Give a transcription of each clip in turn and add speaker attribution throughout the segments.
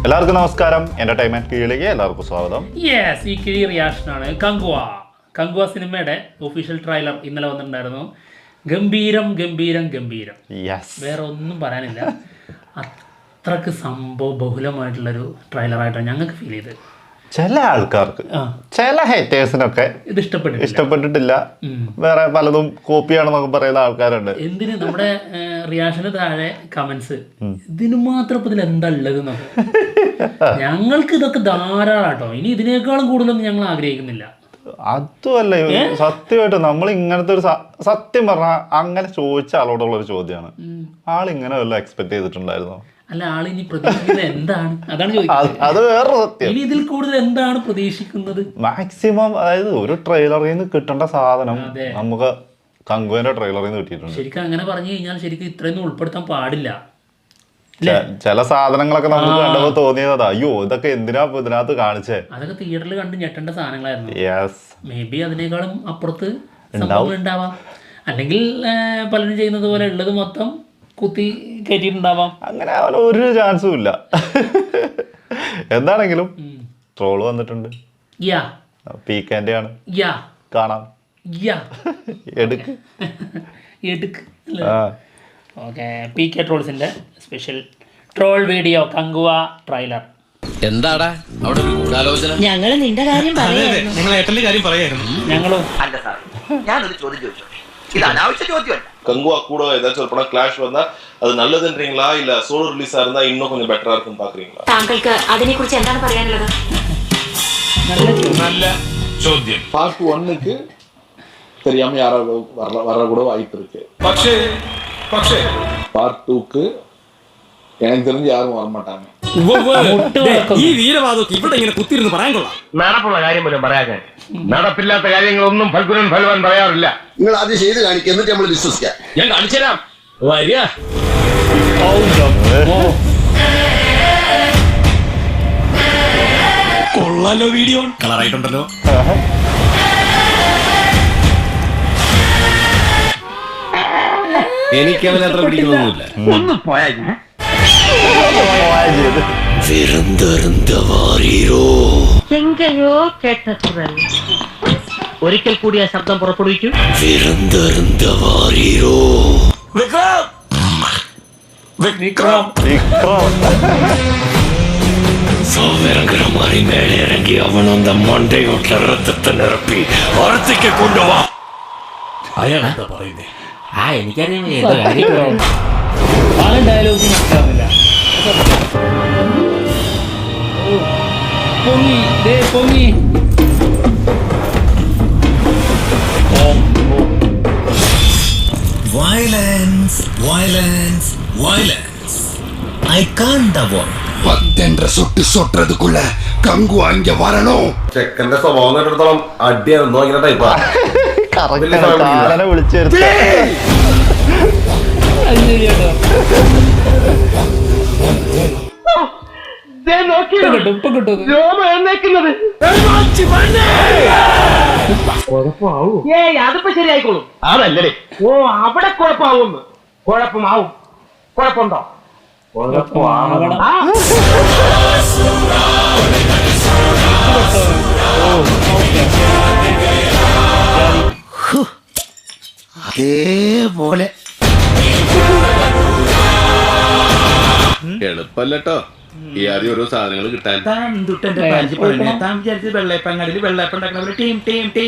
Speaker 1: എല്ലാവർക്കും നമസ്കാരം. എന്റർടൈൻമെന്റ് കീഴിലേക്ക് എല്ലാവർക്കും സ്വാഗതം.
Speaker 2: യെസ്, ഈ കിഴി റിയാക്ഷനാണ്. കങ്കുവ സിനിമയുടെ ഒഫീഷ്യൽ ട്രെയിലർ ഇന്നലെ വന്നിട്ടുണ്ടായിരുന്നു. ഗംഭീരം ഗംഭീരം ഗംഭീരം. വേറെ ഒന്നും പറയാനില്ല. അത്രക്ക് സംഭവ ബഹുലമായിട്ടുള്ളൊരു ട്രെയിലറായിട്ടാണ് ഞങ്ങൾക്ക് ഫീൽ ചെയ്തത്.
Speaker 1: ചില ആൾക്കാർക്ക്, ചില ഹേറ്റേഴ്സിനൊക്കെ
Speaker 2: ഇത്
Speaker 1: ഇഷ്ടപ്പെട്ടിട്ടില്ല. വേറെ പലതും കോപ്പിയാണെന്നൊക്കെ പറയുന്ന ആൾക്കാരുണ്ട്.
Speaker 2: എന്തിന് നമ്മുടെ റിയാക്ഷന് താഴെ കമന്റ്സ് ഇതിന് മാത്രം ഇപ്പൊ ഇതിൽ എന്താ ഉള്ളത് എന്നൊക്കെ. ഞങ്ങൾക്ക് ഇതൊക്കെ ധാരാളാട്ടോ. ഇനി ഇതിനേക്കാളും കൂടുതലൊന്നും ഞങ്ങൾ ആഗ്രഹിക്കുന്നില്ല.
Speaker 1: അതുമല്ല, സത്യമായിട്ട് നമ്മൾ ഇങ്ങനത്തെ ഒരു സത്യം പറഞ്ഞാൽ അങ്ങനെ ചോദിച്ച ആളോടുള്ള ഒരു ചോദ്യമാണ്. ആളിങ്ങനെ വല്ല എക്സ്പെക്ട് ചെയ്തിട്ടുണ്ടായിരുന്നോ?
Speaker 2: അല്ല, ആളിനി പ്രതീക്ഷിക്കുന്നത് എന്താണ്? അതാണ് ചോദിക്കുന്നത്.
Speaker 1: അത് വേറൊരു സത്യം.
Speaker 2: ഇനി ഇതിൽ കൂടുതൽ എന്താണ് പ്രതീക്ഷിക്കുന്നത്?
Speaker 1: മാക്സിമം, അതായത് ഒരു ട്രെയിലറിൽ നിന്ന് കിട്ടേണ്ട സാധനം നമുക്ക് കങ്കുവിന്റെ ട്രെയിലറിൽ നിന്ന് കിട്ടിയിട്ടുണ്ട്.
Speaker 2: ശരിക്കും അങ്ങനെ പറഞ്ഞു കഴിഞ്ഞാൽ ശരിക്കും ഇത്രയൊന്നും ഉൾപ്പെടുത്താൻ പാടില്ല.
Speaker 1: ചില സാധനങ്ങളൊക്കെ നമുക്ക് കണ്ടപ്പോ തോന്നിയതാ, അയ്യോ ഇതൊക്കെ എന്തിനാ ഇതിനകത്ത് കാണിച്ചേ.
Speaker 2: അതൊക്കെ തിയേറ്ററിൽ കണ്ട് ഞെട്ടേണ്ട സാധനങ്ങളായിരുന്നു. മേ ബി അതിനേക്കാളും അപ്പുറത്ത് ഉണ്ടാവാം. അല്ലെങ്കിൽ പലരും ചെയ്യുന്നത് പോലെ ഉള്ളത് മൊത്തം കുത്തി കയറ്റിയിട്ടുണ്ടാവാം.
Speaker 1: അങ്ങനെ അവന് ഒരു ചാൻസും ഇല്ല. എന്താണെങ്കിലും ട്രോള് വന്നിട്ടുണ്ട്. പീക്കാൻ്റെ ആണ്, കാണാം. എടുക്ക്.
Speaker 2: ഓക്കെ, PK ട്രോൾസിന്റെ special troll video Kanguva trailer.
Speaker 3: എന്താടാ അവിടെ ഒരു ഗൂഢാലോചന?
Speaker 4: ഞങ്ങള് നിന്റെ കാര്യം
Speaker 3: പറയായിരുന്നു.
Speaker 2: ഞങ്ങളും
Speaker 5: അല്ല സാർ, ഞാനൊരു ചോദ്യം ചോദിച്ചു. ഇത് അനാവശ്യ ചോദ്യമല്ല.
Speaker 6: கங்குவா கூட ஏதாச்சும் ஒரு படம் கிளாஷ் வந்தா அது நல்லதுன்றீங்களா இல்ல சோலோ ரிலீஸா இருந்தா இன்னும் கொஞ்சம் பெட்டரா இருக்குன்னு பாக்குறீங்களா?
Speaker 4: താങ്കൾക്ക് അതിനെക്കുറിച്ച് എന്താണ് പറയാനുള്ളത്?
Speaker 3: நல்ல ചോദ്യം.
Speaker 7: பார்ட் 1க்கு தெரியாம யாரோ வர கூட வாய்ப்பு இருக்கு.
Speaker 3: പക്ഷേ
Speaker 7: பார்ட் 2க்கு எனக்கு தெரிஞ்சு யாரும் வர மாட்டாங்க.
Speaker 3: ഈ വീരവാദമൊക്കെ ഇവിടെ ഇങ്ങനെ കുത്തിരുന്ന് പറയാൻ കൊള്ളാം.
Speaker 8: നടപ്പുള്ള കാര്യം പോലും പറയാൻ, നടപ്പില്ലാത്ത കാര്യങ്ങളൊന്നും ഫൽഗുനൻ ഫൽവാൻ പറയാറില്ല.
Speaker 9: നിങ്ങൾ ആദ്യം ചെയ്ത് കാണിക്കുക, എന്നിട്ട് നമ്മൾ വിശ്വസിക്കാം.
Speaker 8: ഞാൻ കാണിച്ചു തരാം. വരിക.
Speaker 3: കൊള്ളാലോ, വീഡിയോ കളറായിട്ടുണ്ടല്ലോ.
Speaker 8: എനിക്ക് അവൻ അത്ര പിടിക്കുന്നൊന്നുമില്ല. ഒന്ന് പോയാ
Speaker 4: എങ്കയോ കേട്ട കുരൽ.
Speaker 2: ഒരിക്കൽ കൂടി ആ ശബ്ദം പുറപ്പെടുവിക്കും.
Speaker 8: സൗകര്യമായി മേലെ ഇറങ്ങി അവനൊന്ന മണ്ടയോട്ട് രക്തത്തെ നിറപ്പി അറത്തേക്ക് കൊണ്ടുപോവാ. അയാൾ എന്താ പറയുന്നേ?
Speaker 2: എനിക്കറിയാം. ഡയലോഗ് മനസ്സിലാവുന്നില്ല. പൊങ്ങി.
Speaker 3: Violence. I can't avoid.
Speaker 9: 10 சொட்டு சொட்டுறதுக்குள்ள கங்கு அங்க வரணும்.
Speaker 6: ചെക്കന്റെ സ്വഭാവം കേട്ടിടത്തോളം അടിയാണെന്നോ ഇങ്ങനെ ടൈപ്പാ.
Speaker 1: വിളിച്ചു
Speaker 5: അതിപ്പോ ശരിയായിക്കോളും.
Speaker 8: അതല്ലേ?
Speaker 5: ഓ, അവിടെ കുഴപ്പമാവുന്നു. കുഴപ്പമാവും. കുഴപ്പമുണ്ടോ?
Speaker 9: അതേപോലെ
Speaker 6: എളുപ്പല്ലോ ഈ ആദ്യം ഓരോ സാധനങ്ങൾ കിട്ടാൻ.
Speaker 2: വെള്ളയപ്പങ്ങാടിയിൽ വെള്ളയപ്പം ഉണ്ടാക്കുന്ന ടീം ടീം ടീം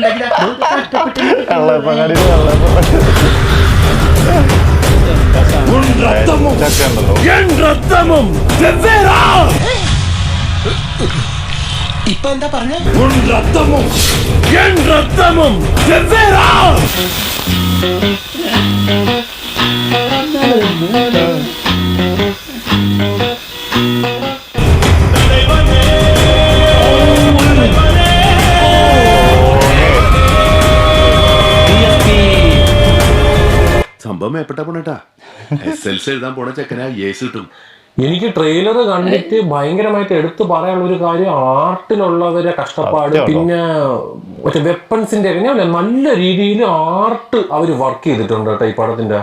Speaker 3: ഇപ്പൊ എന്താ പറഞ്ഞ?
Speaker 6: സംഭവം ഏപ്പെട്ട പോണേട്ടാ. SLC എഴുതാൻ പോണ ചെക്കനാ ഏസ് കിട്ടും.
Speaker 3: എനിക്ക് ട്രെയിലർ കണ്ടിട്ട് ഭയങ്കരമായിട്ട് എടുത്തു പറയാനുള്ള ഒരു കാര്യം ആർട്ടിലുള്ളവരെ കഷ്ടപ്പാട്, പിന്നെ മറ്റേ വെപ്പൺസിന്റെ നല്ല രീതിയിൽ ആർട്ട് അവർ വർക്ക് ചെയ്തിട്ടുണ്ട് കേട്ടോ ഈ പടത്തിന്റെ.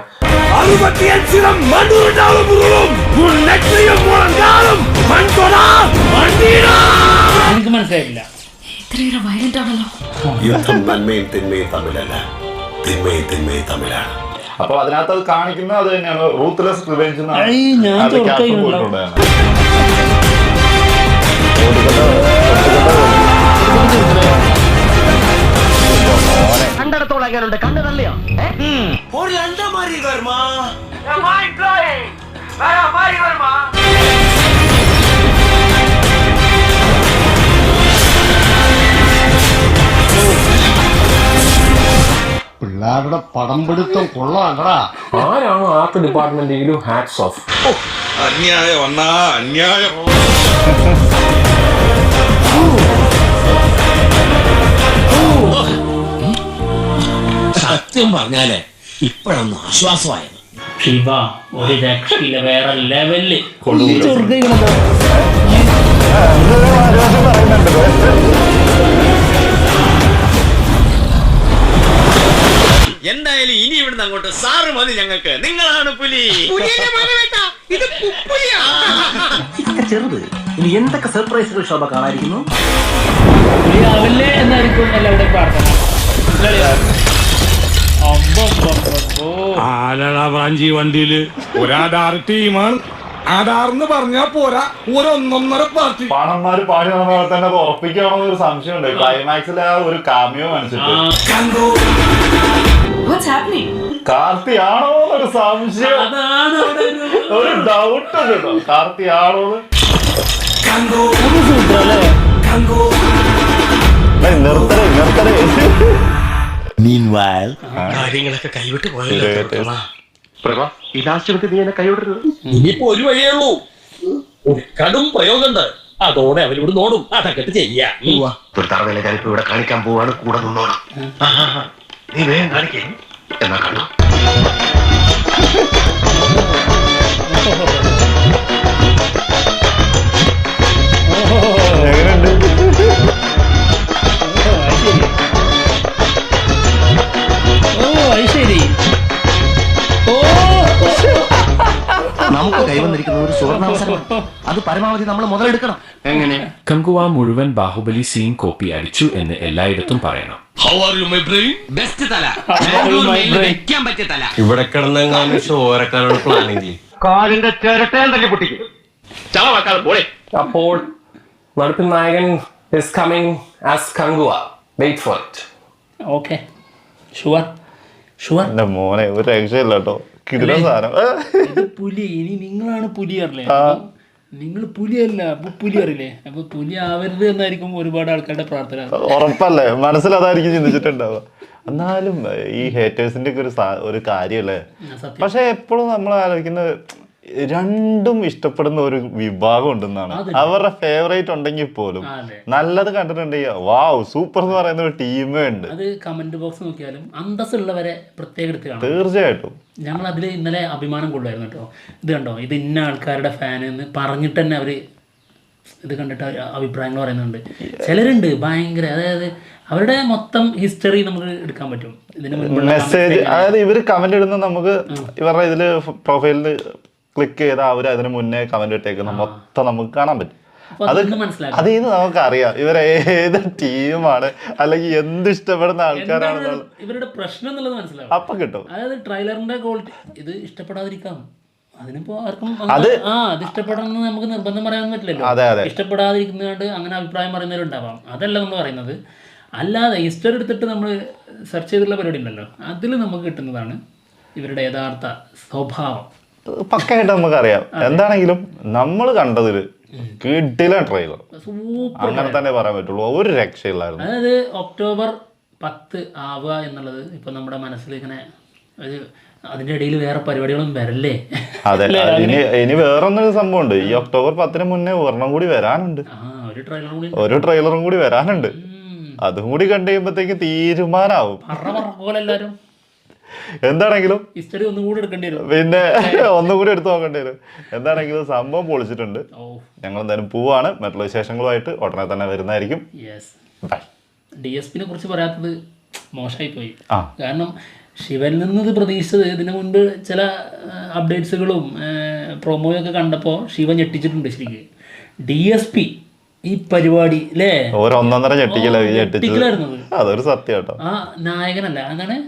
Speaker 2: എനിക്ക് മനസ്സിലായില്ല.
Speaker 4: ഇത്രയേറെ വയലന്റ് ആണല്ലോ.
Speaker 9: യുദ്ധം നന്മയും തിന്മയും തമ്മിലല്ല, തിന്മയും തിന്മയും തമ്മിലാണ്.
Speaker 1: അപ്പൊ അതിനകത്ത് അത് കാണിക്കുന്നത് അത് തന്നെയാണ്, റൂത്ത്ലെസ് റിവെഞ്ച്
Speaker 5: കണ്ടിടത്തോളം എങ്ങനെയുണ്ട്? കണ്ടു തള്ളിയോ?
Speaker 9: പിള്ളേരുടെ പടം പിടുത്തം കൊള്ളാണ്ടടാ.
Speaker 3: ആരാണ് ആർട്ട് ഡിപ്പാർട്ട്മെന്റെങ്കിലും ഹാറ്റ്സ് ഓഫ്.
Speaker 6: അന്യായം അണ്ണാ, അന്യായം.
Speaker 3: സത്യം പറഞ്ഞാലേ ഇപ്പോഴൊന്നും ആശ്വാസമായത്.
Speaker 2: ശിവ ഒരു രക്ഷയില്ല, വേറെ ലെവലില്
Speaker 3: എന്തായാലും ഇനി ഇവിടുന്ന് അങ്ങോട്ട് സാറ് മതി ഞങ്ങൾക്ക്. നിങ്ങളാണ് പുലി.
Speaker 5: ചെറുത് ഇനി എന്തൊക്കെ സർപ്രൈസുകൾ ശോഭ കാണാതിരിക്കുന്നു.
Speaker 2: പുലിയാവില്ലേ എന്നായിരിക്കും എല്ലാവരുടെയും പ്രാർത്ഥന.
Speaker 3: ആലടാ ബ്രാഞ്ചി വണ്ടിയില് ഒരാധാർ ടീമാണ്. ആധാർന്ന് പറഞ്ഞാ പോരാ, ഒരൊന്നൊന്നര പാർട്ടി.
Speaker 1: പാണന്മാര് പാടി നടന്ന പോലെ തന്നെ അത് ഉറപ്പിക്കണോ എന്നൊരു സംശയമുണ്ട്. ക്ലൈമാക്സിൽ ആ ഒരു കാമിയോ കാണിച്ചിട്ട് കാർത്തി ആണോ എന്നൊരു സംശയം, ഒരു ഡൗട്ട് കേട്ടോ. കാർത്തി ആണോ നിർത്തരേ
Speaker 3: കാര്യങ്ങളൊക്കെ കൈവിട്ട് പോയല്ലോ.
Speaker 5: ഈ ലാസ്റ്റ് എടുത്ത് നീ എന്നെ കൈവിടരുത്.
Speaker 3: ഇനിയിപ്പോ ഒരു വഴിയേ ഉള്ളൂ, ഒരു കടും പ്രയോഗമുണ്ട്. അതോടെ അവരോട് നോടും അതൊക്കെ ചെയ്യാ.
Speaker 8: ഒരു തറവേല ഞാനിപ്പോ ഇവിടെ കാണിക്കാൻ പോവാണ്, കൂടെ നിന്നോണം. നീ വേഗം കാണിക്കേ, എന്നാ കണ്ടു.
Speaker 5: നമുക്ക് കൈവന്നിരിക്കുന്ന ഒരു സുവർണാവസരം, അത് പരമാവധി നമ്മൾ മുതലെടുക്കണം.
Speaker 3: എങ്ങനെ? കങ്കുവ മുഴുവൻ ബാഹുബലി സീൻ കോപ്പി അടിച്ചു എന്ന് എല്ലായിടത്തും പറയണം.
Speaker 8: ബെസ്റ്റ് തല, വെക്കാൻ പറ്റിയ തല. ഇവിടെ കിടന്നെങ്ങാനും ഷോരക്കാരുടെ പ്ലാനിങ് കാലിന്റെ ചിരട്ടയും തല്ലി പൊട്ടിക്കും. ചളവാക്കാതെ പോലെ.
Speaker 3: അപ്പോൾ നടപ്പിൽ നായകൻ is coming as Kangua. Wait for it.
Speaker 2: Okay, sure.
Speaker 1: എന്റെ മോനെ ഒരു രക്ഷയില്ല കേട്ടോ, കിടില സാധനം.
Speaker 2: ഇത് പുലി. ഇനി നിങ്ങളാണ് പുലി അറിയില്ലേ? നിങ്ങൾ പുലിയല്ല, പുലി അറിയില്ലേ? അപ്പൊ പുലി ആവരുത് എന്നായിരിക്കും ഒരുപാട് ആൾക്കാരുടെ പ്രാർത്ഥന.
Speaker 1: ഉറപ്പല്ലേ, മനസ്സിലതായിരിക്കും ചിന്തിച്ചിട്ടുണ്ടാവുക. എന്നാലും ഈ ഹേറ്റേഴ്സിന്റെ ഒക്കെ ഒരു കാര്യമല്ലേ. പക്ഷെ എപ്പോഴും നമ്മൾ ആലോചിക്കുന്നത് രണ്ടും ഇഷ്ടപ്പെടുന്ന ഒരു വിഭാഗം ഉണ്ടെന്നാണ്. അവരുടെ ഫേവറേറ്റ് ഉണ്ടെങ്കിൽ പോലും നല്ലത് കണ്ടിട്ടുണ്ടെങ്കിൽ വാവ് സൂപ്പർ എന്ന് പറയുന്ന ഒരു ടീമേ ഉണ്ട്.
Speaker 2: അത് കമന്റ് ബോക്സ് നോക്കിയാലും അന്തസ്സുള്ളവരെ പ്രത്യേക എടുത്ത് കാണാം.
Speaker 1: തീർച്ചയായിട്ടും
Speaker 2: ഞങ്ങൾ അതിൽ ഇന്നലെ അഭിമാനം കൊള്ളുമായിരുന്നു കേട്ടോ. ഇത് കണ്ടോ, ഇത് ഇന്ന ആൾക്കാരുടെ ഫാൻ എന്ന് പറഞ്ഞിട്ട് തന്നെ അവര് ഇത് കണ്ടിട്ട് അഭിപ്രായങ്ങൾ പറയുന്നുണ്ട്. ചിലരുണ്ട് ഭയങ്കര, അതായത് അവരുടെ മൊത്തം ഹിസ്റ്ററി നമുക്ക് എടുക്കാൻ പറ്റും. ഇതിന്
Speaker 1: മെസ്സേജ്, അതായത് ഇവര് കമന്റ് ഇടുന്ന നമുക്ക് ഇവരുടെ ഇതില് പ്രൊഫൈലില് ക്ലിക്ക് ചെയ്താൽ അവർ അതിന് മുന്നേ കമന്റ് ഇട്ടേക്കുന്ന മൊത്തം നമുക്ക് കാണാൻ പറ്റും. അതിൽ നിന്ന് നമുക്കറിയാം ഇവർ ഏത് ടീമാണ് അല്ലെങ്കിൽ എന്ത് ഇഷ്ടപ്പെടുന്ന ആൾക്കാരാണെന്നുള്ള
Speaker 2: ഇവരുടെ പ്രശ്നം എന്നുള്ളത് മനസ്സിലാവും.
Speaker 1: അപ്പൊ കിട്ടും.
Speaker 2: അതായത് ട്രെയിലറിന്റെ ക്വാളിറ്റി ഇത് ഇഷ്ടപ്പെടാതിരിക്കാം. അതിനിപ്പോ ആർക്കും അത് ഇഷ്ടപ്പെടണമെന്ന് നമുക്ക് നിർബന്ധം പറയാൻ പറ്റില്ലല്ലോ. ഇഷ്ടപ്പെടാതിരിക്കുന്നതുകൊണ്ട് അങ്ങനെ അഭിപ്രായം പറയുന്നവരുണ്ടാവാം. അതല്ല നമ്മൾ പറയുന്നത്. അല്ലാതെ ഹിസ്റ്ററി എടുത്തിട്ട് നമ്മൾ സെർച്ച് ചെയ്തിട്ടുള്ള പരിപാടി ഉണ്ടല്ലോ, അതിൽ നമുക്ക് കിട്ടുന്നതാണ് ഇവരുടെ യഥാർത്ഥ സ്വഭാവം.
Speaker 1: പക്കയായിട്ട് നമുക്കറിയാം. എന്താണെങ്കിലും നമ്മൾ കണ്ടതില് കിടില ട്രെയിലർ, അങ്ങനെ തന്നെ പറയാൻ പറ്റുള്ളൂ. ഒരു രക്ഷയില്ലായിരുന്നു.
Speaker 2: അതായത് ഒക്ടോബർ 10 ആവുക എന്നുള്ളത് ഇപ്പൊ നമ്മുടെ മനസ്സിൽ ഇങ്ങനെ അതിന്റെ ഇടയിൽ വേറെ പരിപാടികളും വരല്ലേ.
Speaker 1: അതെ, ഇനി വേറൊന്നൊരു സംഭവം ഉണ്ട്. ഈ ഒക്ടോബർ 10 മുന്നേ ഒരെണ്ണം കൂടി വരാനുണ്ട്, ഒരു ട്രെയിലറും കൂടി വരാനുണ്ട്. അതും കൂടി കണ്ടു കഴിയുമ്പോഴത്തേക്ക് തീരുമാനാവും. എന്താണെങ്കിലും
Speaker 2: ഹിസ്റ്ററി ഒന്നും കൂടെ എടുക്കേണ്ടി വരും.
Speaker 1: പിന്നെ ഒന്നുകൂടി എടുത്ത് നോക്കേണ്ടി വരും. എന്താണെങ്കിലും സംഭവം പൊളിച്ചിട്ടുണ്ട്. ഞങ്ങൾ എന്തായാലും പോവാണ്. മറ്റുള്ള വിശേഷങ്ങളുമായിട്ട് ഉടനെ തന്നെ വരുന്നതായിരിക്കും. ബൈ.
Speaker 2: DSPനെ കുറിച്ച് പറയാത്തത് മോശമായി പോയി. കാരണം ശിവനിൽ നിന്ന് ഇത് പ്രതീക്ഷിച്ചത് ഇതിനു മുൻപ് ചില അപ്ഡേറ്റ്സുകളും പ്രൊമോയൊക്കെ കണ്ടപ്പോൾ ശിവൻ ഞെട്ടിച്ചിട്ടുണ്ട് ശരിക്കും. DSP ഈ പരിപാടി അല്ലേ
Speaker 1: ഒന്നൊന്നര ഞെട്ടിക്കലായിരുന്നു. അതൊരു സത്യം കേട്ടോ.
Speaker 2: ആ നായകനല്ല എന്താണ്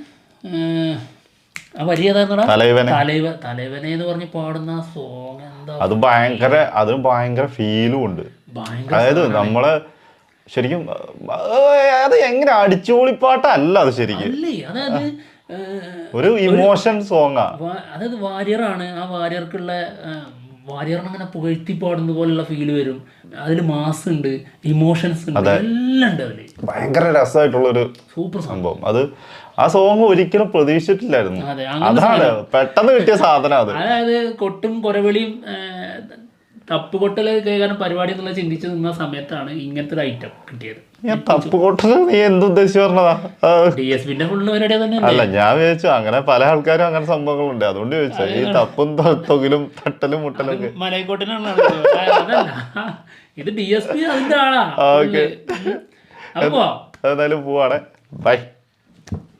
Speaker 2: ആ വരി ഏതായിരുന്നടാ? തലൈവനെ എന്ന് പറഞ്ഞ് പാടുന്ന ആ സോങ് എന്താ,
Speaker 1: അത് ഭയങ്കര ഫീലും ഉണ്ട്. അതായത് നമ്മള് ശരിക്കും അത് എങ്ങനെ അടിച്ചുപൊളിപ്പാട്ടല്ല അത് ശരിക്കും,
Speaker 2: അതായത്
Speaker 1: ഒരു ഇമോഷൻ സോങ്ങാ.
Speaker 2: അതായത് വാരിയറാണ്, ആ വാരിയർക്കുള്ള വാരിയറിനങ്ങനെ പുകഴ്ത്തി പാടുന്ന പോലുള്ള ഫീല് വരും. അതിൽ മാസ് ഉണ്ട്, ഇമോഷൻസ് ഉണ്ട്, എല്ലാം ഉണ്ട് അതില്.
Speaker 1: ഭയങ്കര രസമായിട്ടുള്ളൊരു
Speaker 2: സൂപ്പർ
Speaker 1: സംഭവം. അത് ആ സോങ് ഒരിക്കലും പ്രതീക്ഷിച്ചിട്ടില്ലായിരുന്നു. അതാണ് പെട്ടെന്ന് കിട്ടിയ സാധനം അത്.
Speaker 2: അതായത് കൊട്ടും കൊരവിളിയും തപ്പുകൊട്ടല് കേൾക്കാനും പരിപാടി എന്നുള്ള ചിന്തിച്ച് നിന്ന സമയത്താണ് ഇങ്ങനത്തെ ഒരു ഐറ്റം കിട്ടിയത്.
Speaker 1: തപ്പുകൊട്ടല് നീ എന്തുദ്ദേശിച്ച് പറഞ്ഞതാ?
Speaker 2: DSPന്റെ ഫുള്ള് പരിപാടി തന്നെ
Speaker 1: അല്ല, ഞാൻ വിചാരിച്ചു അങ്ങനെ പല ആൾക്കാരും അങ്ങനെ സംഭവങ്ങളുണ്ട്, അതുകൊണ്ട് ചോദിച്ചാ. ഈ തപ്പും തൊകിലും തട്ടലും മുട്ടലും ഒക്കെ
Speaker 2: മലയക്കോട്ടിനാണ്. അതല്ല, ഇത് DSP അതിന്റെ ആളാ.
Speaker 1: ഓക്കെ, എന്തായാലും പോവാണ്. ബൈ.